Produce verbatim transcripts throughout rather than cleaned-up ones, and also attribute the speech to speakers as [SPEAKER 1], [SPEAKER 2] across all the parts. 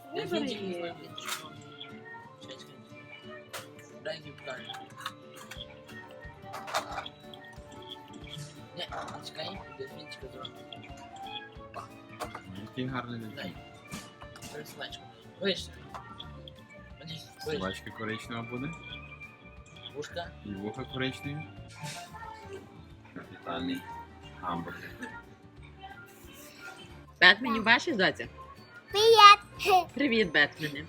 [SPEAKER 1] Я
[SPEAKER 2] Вибери
[SPEAKER 1] фінтик не
[SPEAKER 2] її.
[SPEAKER 1] знаю, фінтик. Чекай, чекай. Дай мені покажу. Ні, чекай, я фінтика зроблю.
[SPEAKER 3] Який гарний
[SPEAKER 1] Дай.
[SPEAKER 3] дитин.
[SPEAKER 1] Бери собачку. Вийшли. Вони, вийшли.
[SPEAKER 3] Собачка коричнева буде.
[SPEAKER 1] Вушка.
[SPEAKER 3] І вуха коричневі. Капітальний гамбургер.
[SPEAKER 2] Бетменю бачиш, доця?
[SPEAKER 4] Привіт.
[SPEAKER 2] Привіт, Бетмене.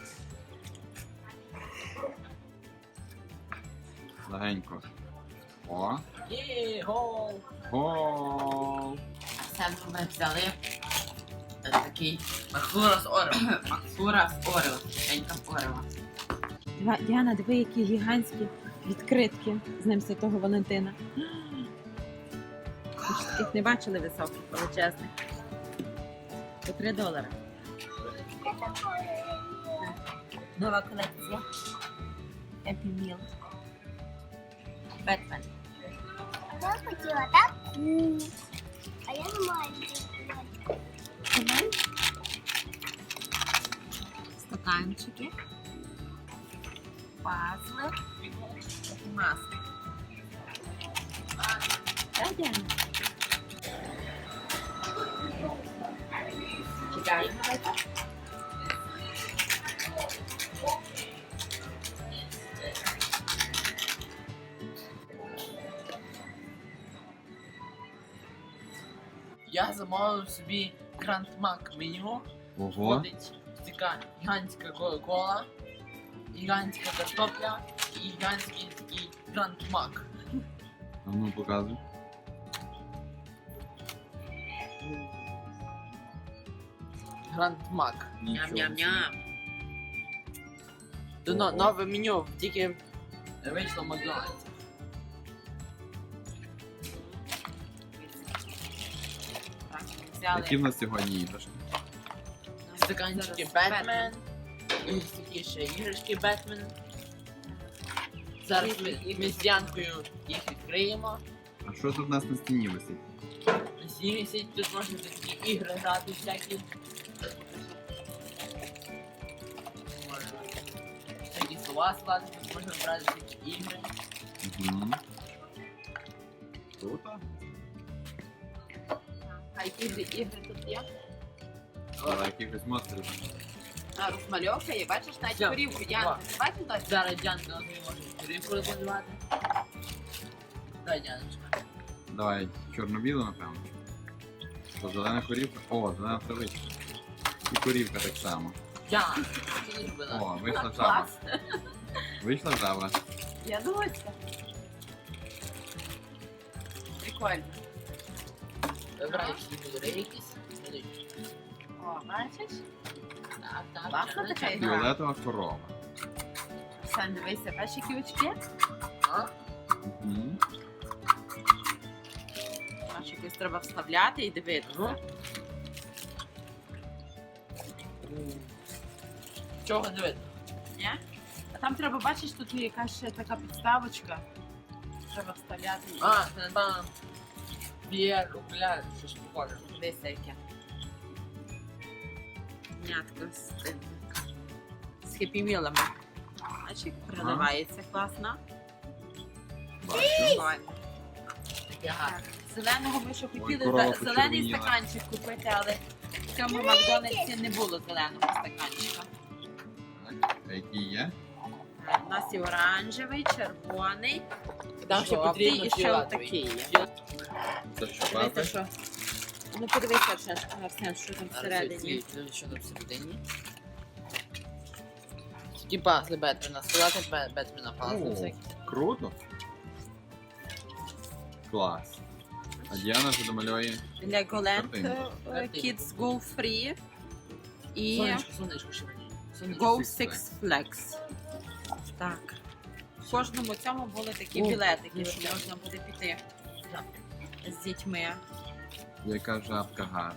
[SPEAKER 3] Легенько. О,
[SPEAKER 1] Є, гол.
[SPEAKER 3] гол!
[SPEAKER 2] Арсен, ми взяли е, такий
[SPEAKER 1] Махура з орем.
[SPEAKER 2] Макфура з Орео. Тенька Орео. Діана, диви, які гігантські відкритки з ним Святого Валентина. Ви ж таких не бачили високих, величезних. По три долари. Нова колекція. Happy Meal. Бетмен.
[SPEAKER 4] Я хотіла таку. А я не маю.
[SPEAKER 2] Стаканчики. Пазли. І маски. Так, Діана? Чекаємо.
[SPEAKER 1] Я замовив собі Grand Mac меню.
[SPEAKER 3] Ого!
[SPEAKER 1] Входить така гігантська кола, гігантська картопля і гігантський такий Grand Mac.
[SPEAKER 3] А ну показуй.
[SPEAKER 1] Grand Mac.
[SPEAKER 2] Ням-ням-ням.
[SPEAKER 1] До но- нове меню тільки вийшло в Макдональдсі.
[SPEAKER 2] Так, взяли.
[SPEAKER 3] Які в нас сьогодні іграшки?
[SPEAKER 1] Стаканчики
[SPEAKER 2] Зараз
[SPEAKER 1] Бетмен. І такі ще іграшки Бетмен. Зараз ми, ми з Янкою їх відкриємо.
[SPEAKER 3] А що тут у нас на стіні висить?
[SPEAKER 1] Всі висять, тут можна такі ігри грати всякі. Можна всякі слова складати, тут можна брати такі ігри.
[SPEAKER 3] Угу. Круто.
[SPEAKER 2] А які ж ігри тут є?
[SPEAKER 3] Але якихось монстрів.
[SPEAKER 2] А, розмальовка є, бачиш, навіть
[SPEAKER 1] Все,
[SPEAKER 2] корівку. Янка, ти бачиш досі?
[SPEAKER 1] Зараз Дянка нас не може корівку розмалювати. Дай, Дяночка.
[SPEAKER 3] Давай чорно-білу, напевно. То зелена корівка. О, зелена травичка. І корівка так само.
[SPEAKER 1] Дян, ти не любила.
[SPEAKER 3] О, вийшла жаба.
[SPEAKER 2] Клас.
[SPEAKER 3] Вийшла жаба.
[SPEAKER 2] Я доця. Прикольно.
[SPEAKER 1] Вибирай всі кольори якісь. Смотри.
[SPEAKER 2] О, бачиш?
[SPEAKER 1] Так, так.
[SPEAKER 2] Класна
[SPEAKER 1] так,
[SPEAKER 2] така
[SPEAKER 1] так.
[SPEAKER 2] ігра.
[SPEAKER 3] Фіолетова корова.
[SPEAKER 2] Сам дивися, бачиш, які очки?
[SPEAKER 1] А?
[SPEAKER 3] Угу.
[SPEAKER 2] Бачиш, якось треба вставляти і дивитися.
[SPEAKER 1] Ну. Чого не видно?
[SPEAKER 2] Ні? А там треба, бачиш, тут є якась ще така підставочка. Треба вставляти. і-
[SPEAKER 1] А, це напевно. П'єр, окуляр, щось похоже.
[SPEAKER 2] Дивися яке. Нятко з тим. З хеппі-мілами. Бачиш, як приливається класно.
[SPEAKER 3] Бачу.
[SPEAKER 2] Прикольно.
[SPEAKER 1] Таке гарне.
[SPEAKER 2] Так, зеленого ми ще хотіли
[SPEAKER 3] корова
[SPEAKER 2] за- зелений
[SPEAKER 3] почервоніла.
[SPEAKER 2] стаканчик купити, але в цьому Макдональдсі не було зеленого стаканчика.
[SPEAKER 3] Так, а які є?
[SPEAKER 2] У нас є оранжевий, червоний,
[SPEAKER 1] Там ще
[SPEAKER 2] жовтий
[SPEAKER 1] потрібно
[SPEAKER 2] і ще
[SPEAKER 1] фіолетовий.
[SPEAKER 2] отакий є.
[SPEAKER 3] Це що,
[SPEAKER 2] Дивіться,
[SPEAKER 3] папи?
[SPEAKER 2] що. Ну подивися, Арсен, Арсен, що там всередині.
[SPEAKER 1] Що там всередині? Такі пазли Бетмена, сказати Бе- Бетмена пазли
[SPEAKER 3] О,
[SPEAKER 1] всякі.
[SPEAKER 3] круто. Клас. А Діана вже домалює.
[SPEAKER 2] Legoland
[SPEAKER 3] Картинку.
[SPEAKER 2] е,
[SPEAKER 1] Картинку.
[SPEAKER 2] Kids Go Free і
[SPEAKER 1] Сонечко, сонечко ще мені. Сонечко.
[SPEAKER 2] Go
[SPEAKER 3] Six
[SPEAKER 2] Six Flags. Так. В кожному цьому були такі
[SPEAKER 1] О,
[SPEAKER 2] білетики, що
[SPEAKER 1] білетики.
[SPEAKER 2] можна буде піти з дітьми.
[SPEAKER 3] Яка жабка гарна.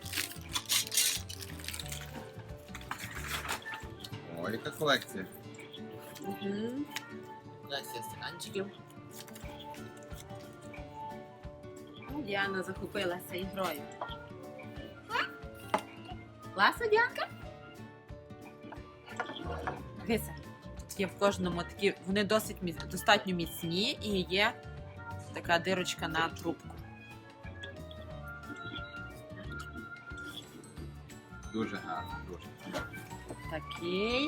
[SPEAKER 3] О, яка колекція.
[SPEAKER 2] Угу.
[SPEAKER 1] Десь є стаканчиків.
[SPEAKER 2] Діана захопилася ігрою. Класно, Діанка? Дивися, тут є в кожному такі, вони досить міц- достатньо міцні і є така дирочка на трубку.
[SPEAKER 3] Дуже гарно, дуже.
[SPEAKER 2] Такий.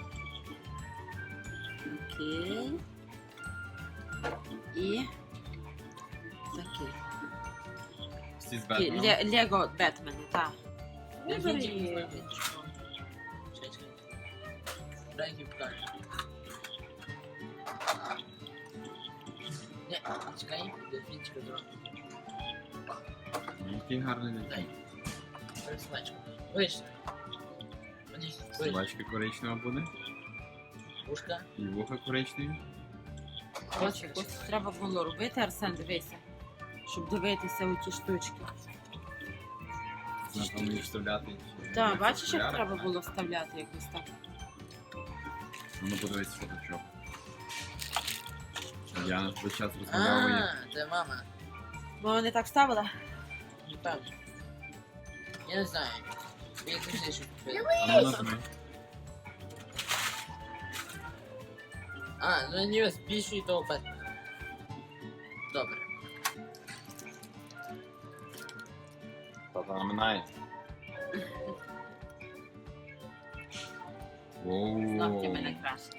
[SPEAKER 2] Окей. І такий.
[SPEAKER 3] Всі з
[SPEAKER 2] Такий
[SPEAKER 3] Бетменом.
[SPEAKER 2] Ле- Лего Бетмени, так.
[SPEAKER 1] Я
[SPEAKER 2] Вибери
[SPEAKER 1] тільки не
[SPEAKER 2] і-
[SPEAKER 1] знаю, що. Чекай, чекай. Дай їй покажу. Не, чекай, дельфінчика зробити.
[SPEAKER 3] Який гарний день.
[SPEAKER 1] Дай. Пересилачку. Вийшли. Подивись, вийшли.
[SPEAKER 3] Собачка коричнева буде.
[SPEAKER 1] Ушка.
[SPEAKER 3] І вуха коричневі.
[SPEAKER 2] Ось, ось треба було робити, Арсен, дивися, щоб дивитися у ті штучки.
[SPEAKER 3] Напевно, їх вставляти.
[SPEAKER 2] Так, бачиш, як
[SPEAKER 3] Окуляри,
[SPEAKER 2] треба
[SPEAKER 3] так?
[SPEAKER 2] було вставляти якось так.
[SPEAKER 3] Ну, подивись фоточок. Діана весь час розмальовує.
[SPEAKER 1] А, це мама.
[SPEAKER 2] Бо вони так вставила.
[SPEAKER 1] Напевно. Я не знаю. Я завжди що купила.
[SPEAKER 3] А ну нажми.
[SPEAKER 1] А, ну не збільшуй того Бетмена. Добре.
[SPEAKER 3] Тата наминає.
[SPEAKER 2] Ногті мене
[SPEAKER 3] Ооо.
[SPEAKER 2] краще.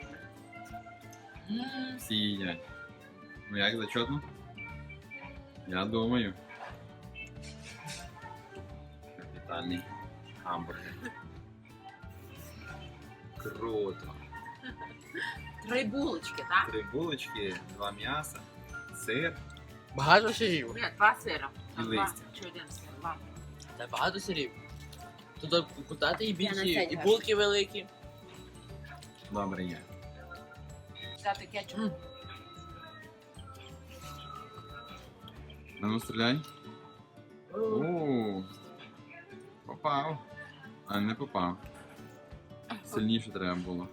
[SPEAKER 1] М,
[SPEAKER 3] Всі їдять. Ну як, зачетно? Я думаю. Капітальний гамбургер. Круто.
[SPEAKER 2] Три булочки, так?
[SPEAKER 3] Три булочки, два м'яса, сир.
[SPEAKER 1] Багато сирів.
[SPEAKER 2] Ні, два сира.
[SPEAKER 3] І
[SPEAKER 2] Два
[SPEAKER 3] листя.
[SPEAKER 2] чи один сир, ладно.
[SPEAKER 1] Та багато сирів. Тут кутати і
[SPEAKER 2] Я на
[SPEAKER 1] більші,
[SPEAKER 2] цей
[SPEAKER 1] і
[SPEAKER 2] граю.
[SPEAKER 1] булки великі.
[SPEAKER 3] Добре є.
[SPEAKER 2] Взяти кетчуп.
[SPEAKER 1] М.
[SPEAKER 3] А ну стріляй. Ооо. Попав. А не попав. Сильніше треба було.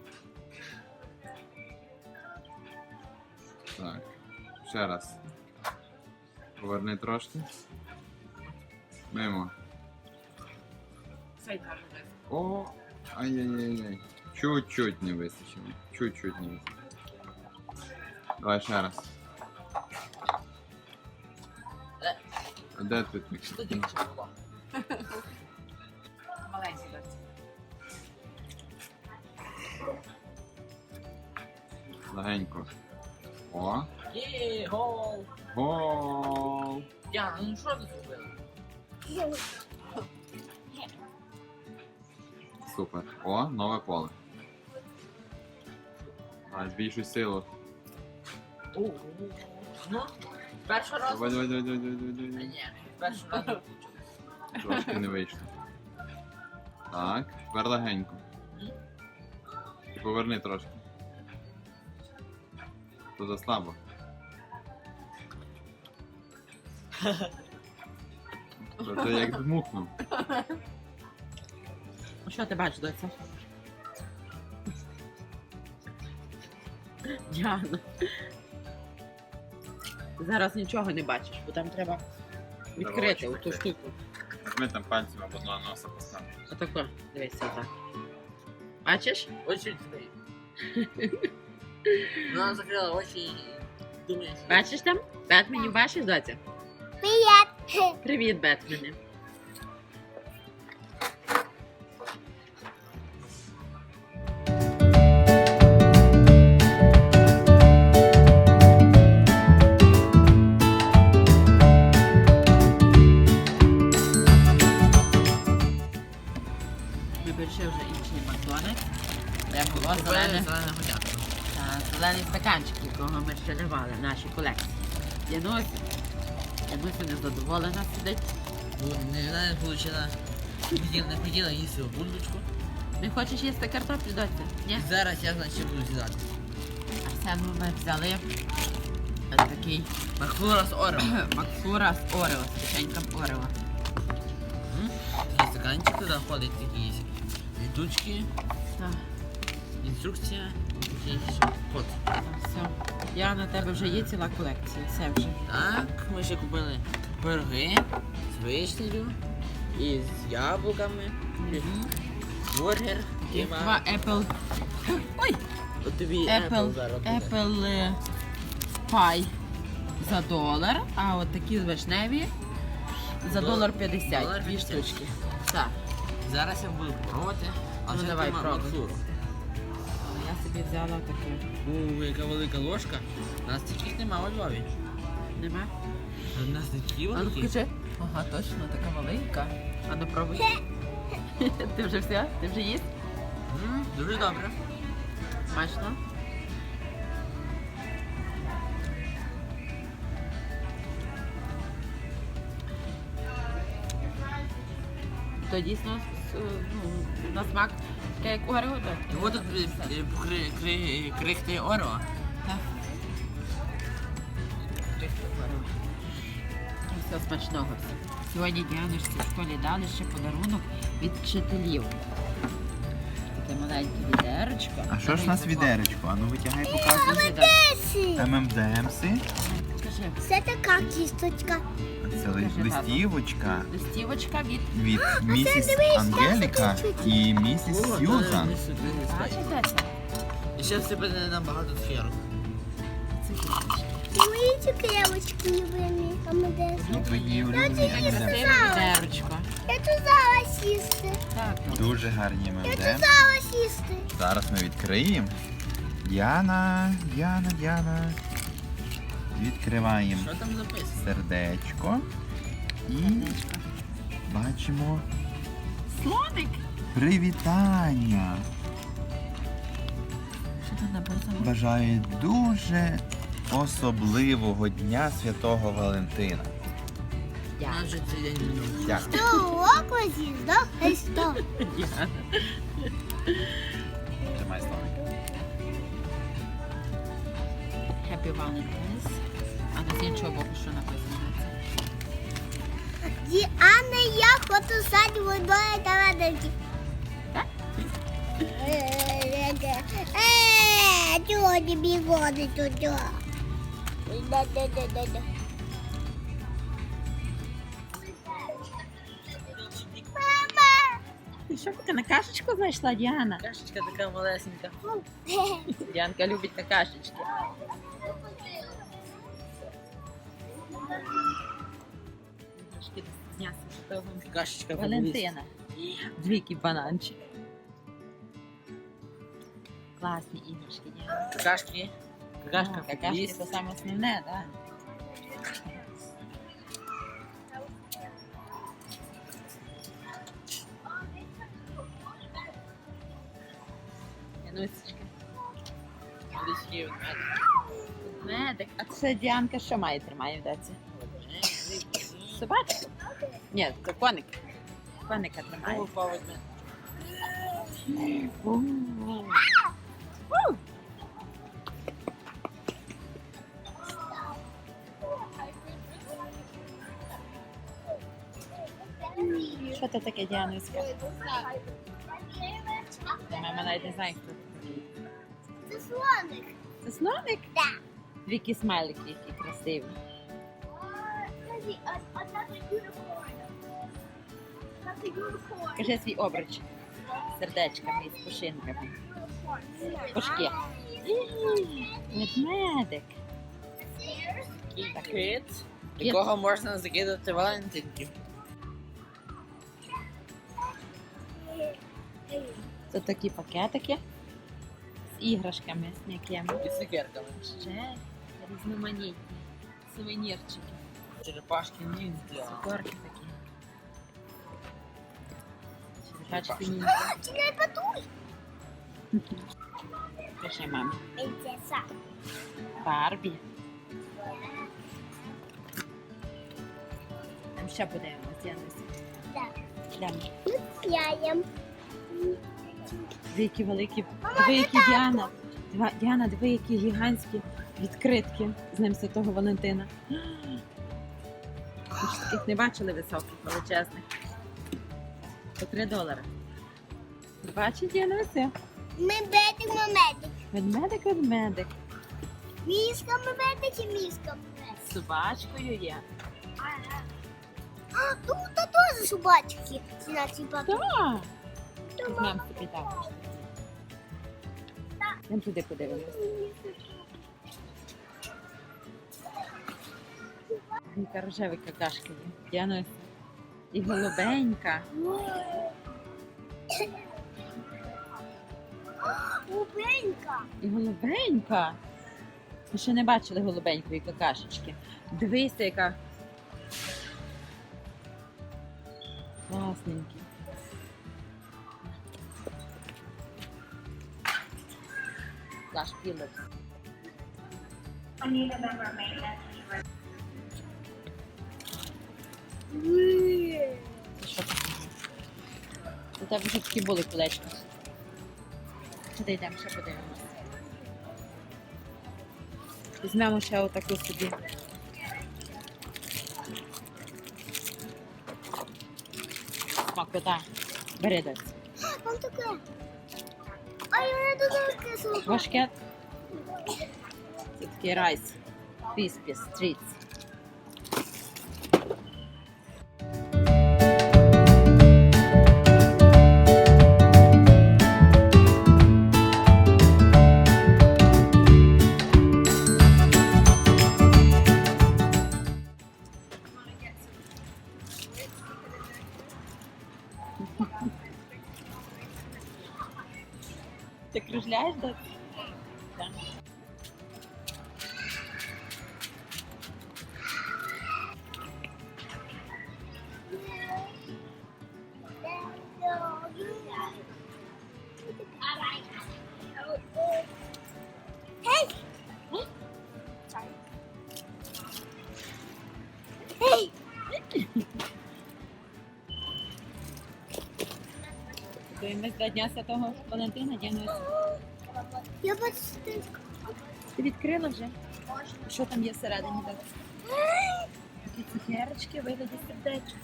[SPEAKER 3] Так. Ще раз. Поверни трошки. Мимо.
[SPEAKER 2] Цей гарний.
[SPEAKER 3] О, ай-яй-яй-яй. Чуть-чуть не вистачило. Чуть-чуть не вистачило. Давай ще раз.
[SPEAKER 1] Е.
[SPEAKER 3] А де ти так?
[SPEAKER 1] Що тільки що було?
[SPEAKER 2] Маленький досі.
[SPEAKER 3] Легенько. О.
[SPEAKER 1] Є, гол!
[SPEAKER 3] Гол!
[SPEAKER 1] Яна, ну що ти зробила?
[SPEAKER 3] Супер. О, нове поле. А, збільшуй силу.
[SPEAKER 1] О, ну, перший раз.
[SPEAKER 3] Давай, давай, давай, давай, давай,
[SPEAKER 1] А,
[SPEAKER 3] давай, давай.
[SPEAKER 1] ні, перший раз не вийшло.
[SPEAKER 3] Трошки не вийшло. Так, тепер легенько. І поверни трошки. То заслабо. То ти як дмухнув.
[SPEAKER 2] Що ти бачиш, доця? Діана. Зараз нічого не бачиш, бо там треба відкрити
[SPEAKER 3] очі
[SPEAKER 2] оту
[SPEAKER 3] закрити.
[SPEAKER 2] штуку.
[SPEAKER 3] Ми там пальцем або на носа поставимо.
[SPEAKER 2] Отако, дивися отак. Бачиш?
[SPEAKER 1] Очі відкрий. Вона закрила очі і думає, що...
[SPEAKER 2] Бачиш там? Бетменів бачиш, доця?
[SPEAKER 4] Привет.
[SPEAKER 2] Привіт, Бетмени. Ми прийшли вже інший Макдональдс, де було
[SPEAKER 1] Зелене,
[SPEAKER 2] зелене,
[SPEAKER 1] зелене годятко.
[SPEAKER 2] та, зелений стаканчик, якого ми ще не мали в нашій колекції. Янусь, Януся незадоволена сидить.
[SPEAKER 1] Ну, не, вона не получила. Не хотіла, не хотіла їсти бульбочку.
[SPEAKER 2] Не хочеш їсти картоплю, доця? Ні?
[SPEAKER 1] І зараз я, значить, буду з'їдати.
[SPEAKER 2] Арсену ми взяли ось такий
[SPEAKER 1] Макфлора з Орео.
[SPEAKER 2] Макфлура з Орео, з печеньком Орео.
[SPEAKER 1] Такий стаканчик, туди входить такі літучки,
[SPEAKER 2] Так,
[SPEAKER 1] інструкція, такий код.
[SPEAKER 2] все. Я на тебе вже є ціла колекція, все вже.
[SPEAKER 1] Так, ми ще купили пироги з вишнею і з яблуками, бургер,
[SPEAKER 2] І
[SPEAKER 1] кебаб.
[SPEAKER 2] два Apple. Ой!
[SPEAKER 1] От тобі
[SPEAKER 2] Apple,
[SPEAKER 1] Apple зараз буде.
[SPEAKER 2] Apple е, Pie за долар, а от такі вишневі за
[SPEAKER 1] Дол-
[SPEAKER 2] долар п'ятдесят.
[SPEAKER 1] долар
[SPEAKER 2] Дві
[SPEAKER 1] п'ятдесят.
[SPEAKER 2] штучки. Так.
[SPEAKER 1] Зараз я буду пробувати. А
[SPEAKER 2] Ну,
[SPEAKER 1] вже
[SPEAKER 2] давай,
[SPEAKER 1] ти ма-
[SPEAKER 2] пробуй.
[SPEAKER 1] Максуру.
[SPEAKER 2] Я собі взяла таке.
[SPEAKER 1] У, яка велика ложка. У нас таких нема у Львові.
[SPEAKER 2] Нема?
[SPEAKER 1] У нас такі
[SPEAKER 2] А ну
[SPEAKER 1] великі.
[SPEAKER 2] включи. Ага, точно, така маленька. А ну пробуй. Ти вже все? Ти вже їсть?
[SPEAKER 1] М, Дуже добре.
[SPEAKER 2] Смачно? То дійсно с- ну, на смак таке, як у Гаррі Поттері.
[SPEAKER 1] І от тут е, е, кри- кри- крихти Орео.
[SPEAKER 2] Так. Все смачного. Сьогодні Діаночці в школі дали ще подарунок від вчителів. Таке маленьке відерочко.
[SPEAKER 3] А що ж у нас
[SPEAKER 2] Маленьке
[SPEAKER 3] відеречко? А ну витягай, показуй.
[SPEAKER 2] Дуже добре.
[SPEAKER 4] Есі.
[SPEAKER 3] ем ем де емси.
[SPEAKER 2] Скажи,
[SPEAKER 4] Це така кісточка.
[SPEAKER 3] Це ли-
[SPEAKER 2] Скажи, тату.
[SPEAKER 3] листівочка
[SPEAKER 2] листівочка від
[SPEAKER 3] від місіс
[SPEAKER 4] дивись,
[SPEAKER 3] Ангеліка і місіс
[SPEAKER 1] О,
[SPEAKER 3] Сьюзан.
[SPEAKER 1] та, сюди не скаче.
[SPEAKER 2] бачите це?
[SPEAKER 1] І ще в себе не набагато цукерок.
[SPEAKER 2] Цукерочки.
[SPEAKER 4] Мої цукерочки любимі. А ми де?
[SPEAKER 3] Твої улюблені
[SPEAKER 2] Таке
[SPEAKER 3] ем ем де.
[SPEAKER 2] красиве відерочко.
[SPEAKER 4] Я тут зараз їсти.
[SPEAKER 2] Так, ну.
[SPEAKER 3] Дуже гарні ем ем
[SPEAKER 4] Я
[SPEAKER 3] де.
[SPEAKER 4] тут зараз їсти.
[SPEAKER 3] Зараз ми відкриємо. Діана, Діана, Діана. Відкриваємо
[SPEAKER 1] Що там написано?
[SPEAKER 3] сердечко. І
[SPEAKER 2] Сердечко.
[SPEAKER 3] бачимо
[SPEAKER 2] Слоник.
[SPEAKER 3] привітання.
[SPEAKER 2] Що тут написано?
[SPEAKER 3] Бажаю дуже особливого дня Святого Валентина.
[SPEAKER 1] У
[SPEAKER 2] Дякую.
[SPEAKER 1] нас вже цей день минув.
[SPEAKER 3] Дякую.
[SPEAKER 4] Того з'їздав Христос.
[SPEAKER 2] Діана.
[SPEAKER 3] Тримай славик.
[SPEAKER 2] Happy Valentine's. А на з іншого боку що написано?
[SPEAKER 4] Діана, я хочу садь водою та радості. Е, чого тобі води туди? Да-да-да-да-да. Мама!
[SPEAKER 2] Ти що ти на кашечку знайшла, Діана?
[SPEAKER 1] Кашечка така малесенька.
[SPEAKER 2] Діанка любить на кашечки. Трошки з Дня Святого
[SPEAKER 1] Кашечка
[SPEAKER 2] Валентина. Двійки бананчик. Класні іграшки, Діана.
[SPEAKER 1] Какашки. Какашка.
[SPEAKER 2] Какашки
[SPEAKER 1] Какашки.
[SPEAKER 2] це саме основне, так? Янусечка. Медик. А це Діанка що має тримає в доці? Собачку? Ні, це коник. Коника тримає. У. У. Що це таке, Діануська? Мама навіть не знає, хто це такий.
[SPEAKER 4] Це слоник.
[SPEAKER 2] Це слоник?
[SPEAKER 4] Так.
[SPEAKER 2] Дві смайлики, які красиві. Кажи свій обруч. Сердечками і з пушинками. Пушки. Ведмедик.
[SPEAKER 1] Кит, якого можна закидати валентинки.
[SPEAKER 2] Це такі пакетики з іграшками, з м'якими.
[SPEAKER 1] І цукерками.
[SPEAKER 2] Ще різноманітні сувенірчики.
[SPEAKER 1] Черепашки ніндзя.
[SPEAKER 2] Цукорки такі. Черепашки ніндзя.
[SPEAKER 4] Не патуй.
[SPEAKER 2] Пиши мамі.
[SPEAKER 4] Принцеса.
[SPEAKER 2] Барбі. Там ще подивимося, Януся.
[SPEAKER 4] Так.
[SPEAKER 2] Йдемо.
[SPEAKER 4] Яєм.
[SPEAKER 2] Диви, які великі. Диви, які Діана. Дива- Діана, диви, які гігантські відкритки з ним Святого Валентина. Ви ж таких не бачили високих, величезних. По три долари. Бачить, Діана, все.
[SPEAKER 4] Ми бедик, ми медик.
[SPEAKER 2] Ведмедик, ведмедик.
[SPEAKER 4] Мішка ми медик і мішка ми медик.
[SPEAKER 2] З собачкою є.
[SPEAKER 4] А, тут та теж собачки. Ці наші папи.
[SPEAKER 2] Так. Візьмемо собі також. Йдемо туди подивимось. Яка рожеві какашки є. Діануся. І голубенька.
[SPEAKER 4] Губенька.
[SPEAKER 2] І голубенька. Ми ще не бачили голубенької какашечки. Дивися, яка. Класненькі. Наш пілець. Це що таке? У тебе вже такі були кулечки. Туди йдемо, ще подивимося. Візьмемо ще отаку собі. Смакота. Бери десь.
[SPEAKER 4] Там таке. А я не додаю кисло.
[SPEAKER 2] Важке. Це такий райс. Crispy Streets. Ти кружляєш, так? Так.
[SPEAKER 4] Hey! Hey!
[SPEAKER 2] Готуємось до Дня Святого Валентина, Діануся.
[SPEAKER 4] Я почти.
[SPEAKER 2] Ти відкрила вже? Що там є всередині? Так? Такі цукерочки, вигляді сердечок.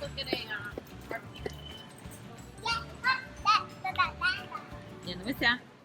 [SPEAKER 2] Діануся,